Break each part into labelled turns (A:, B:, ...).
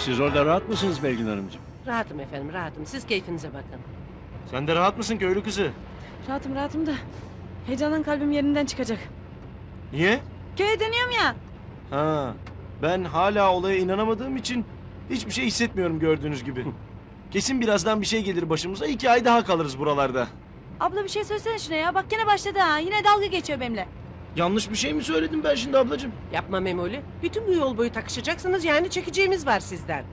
A: Siz orada rahat mısınız Belgin Hanımcığım?
B: Rahatım efendim, rahatım. Siz keyfinize bakın.
C: Sen de rahat mısın köylü kızı?
D: Rahatım da heyecandan kalbim yerinden çıkacak.
C: Niye?
D: Köye dönüyorum ya.
C: Ha, ben hala olaya inanamadığım için hiçbir şey hissetmiyorum gördüğünüz gibi. Kesin birazdan bir şey gelir başımıza. 2 ay daha kalırız buralarda.
D: Abla bir şey söylesene şuna ya. Bak gene başladı ha. Yine dalga geçiyor benimle.
C: Yanlış bir şey mi söyledim ben şimdi ablacığım?
B: Yapma Memoli. Bütün bu yol boyu takışacaksınız, yani çekeceğimiz var sizden.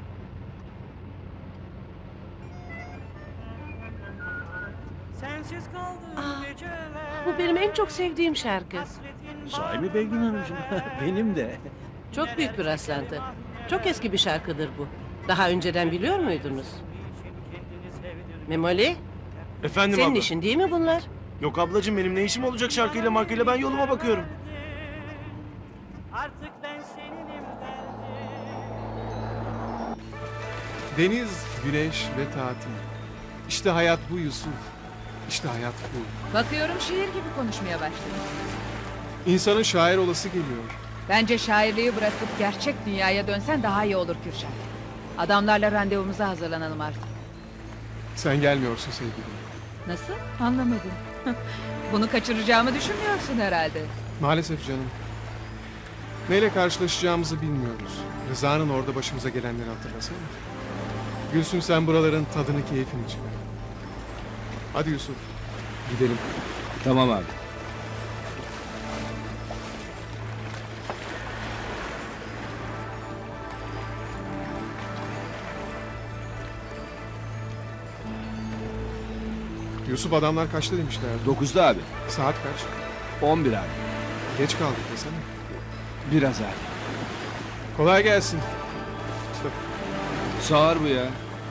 E: Sensiz kaldım geceler.
B: Bu benim en çok sevdiğim şarkı.
A: Sahi mi Belgin Hanımcığım? Benim de.
B: Çok büyük bir rastlantı. Çok eski bir şarkıdır bu. Daha önceden biliyor muydunuz? Memoli,
C: Efendim
B: senin
C: abla.
B: işin değil mi bunlar?
C: Yok ablacığım benim ne işim olacak şarkıyla markayla, ben yoluma bakıyorum.
E: Artık ben seninim derdim.
F: Deniz, güneş ve tatil. İşte hayat bu Yusuf. İşte hayat bu.
G: Bakıyorum şiir gibi konuşmaya başladın.
F: İnsanın şair olası geliyor.
G: Bence şairliği bırakıp gerçek dünyaya dönsen daha iyi olur Kürşat. Adamlarla randevumuza hazırlanalım artık.
F: Sen gelmiyorsun sevgilim.
G: Nasıl? Anlamadım. Bunu kaçıracağımı düşünmüyorsun herhalde.
F: Maalesef canım. Neyle karşılaşacağımızı bilmiyoruz. Rıza'nın orada başımıza gelenleri hatırlasana. Gülsüm sen buraların tadını keyfini çıkar. Hadi Yusuf. Gidelim.
A: Tamam abi.
F: Yusuf adamlar kaçta demişler?
A: 9'da abi.
F: Saat kaç?
A: 11 abi.
F: Geç kaldık desene.
A: Biraz abi.
F: Kolay gelsin.
A: Sağır bu ya.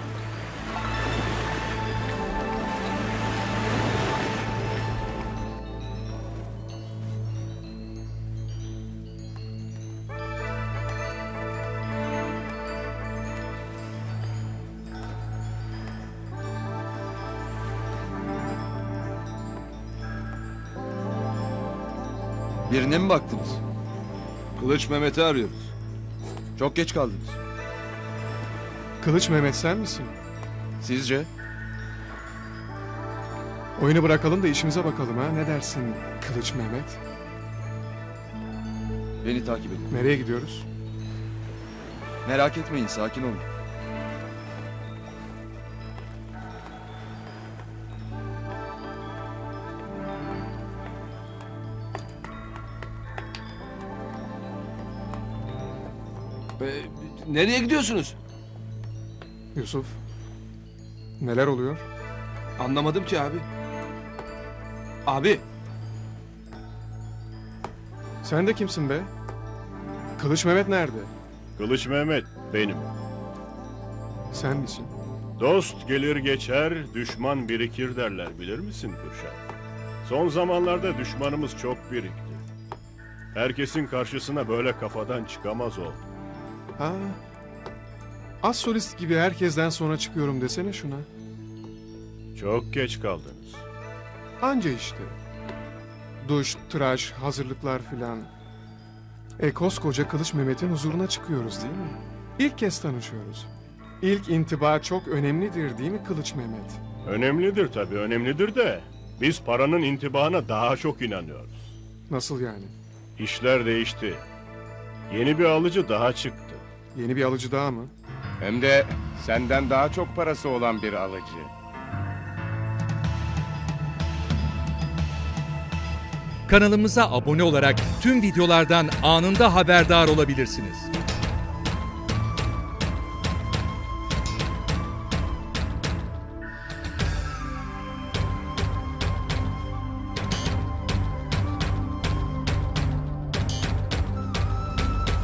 H: Birine mi baktınız? Kılıç Mehmet'i arıyoruz. Çok geç kaldınız.
F: Kılıç Mehmet sen misin?
H: Sizce?
F: Oyunu bırakalım da işimize bakalım ha. Ne dersin Kılıç Mehmet?
H: Beni takip edin.
F: Nereye gidiyoruz?
H: Merak etmeyin, sakin olun.
A: Nereye gidiyorsunuz?
F: Yusuf. Neler oluyor?
A: Anlamadım ki abi. Abi.
F: Sen de kimsin be? Kılıç Mehmet nerede?
I: Kılıç Mehmet benim.
F: Sen misin?
I: Dost gelir geçer, düşman birikir derler, bilir misin Kürşat? Son zamanlarda düşmanımız çok birikti. Herkesin karşısına böyle kafadan çıkamaz oldu.
F: Ha. Az solist gibi herkesten sonra çıkıyorum desene şuna.
I: Çok geç kaldınız.
F: Anca işte. Duş, tıraş, hazırlıklar filan. Koskoca Kılıç Mehmet'in huzuruna çıkıyoruz değil mi? İlk kez tanışıyoruz. İlk intiba çok önemlidir değil mi Kılıç Mehmet?
I: Önemlidir tabii, önemlidir de biz paranın intibahına daha çok inanıyoruz.
F: Nasıl yani?
I: İşler değişti. Yeni bir alıcı daha çıktı.
F: Yeni bir alıcı daha mı?
J: Hem de senden daha çok parası olan bir alıcı.
K: Kanalımıza abone olarak tüm videolardan anında haberdar olabilirsiniz.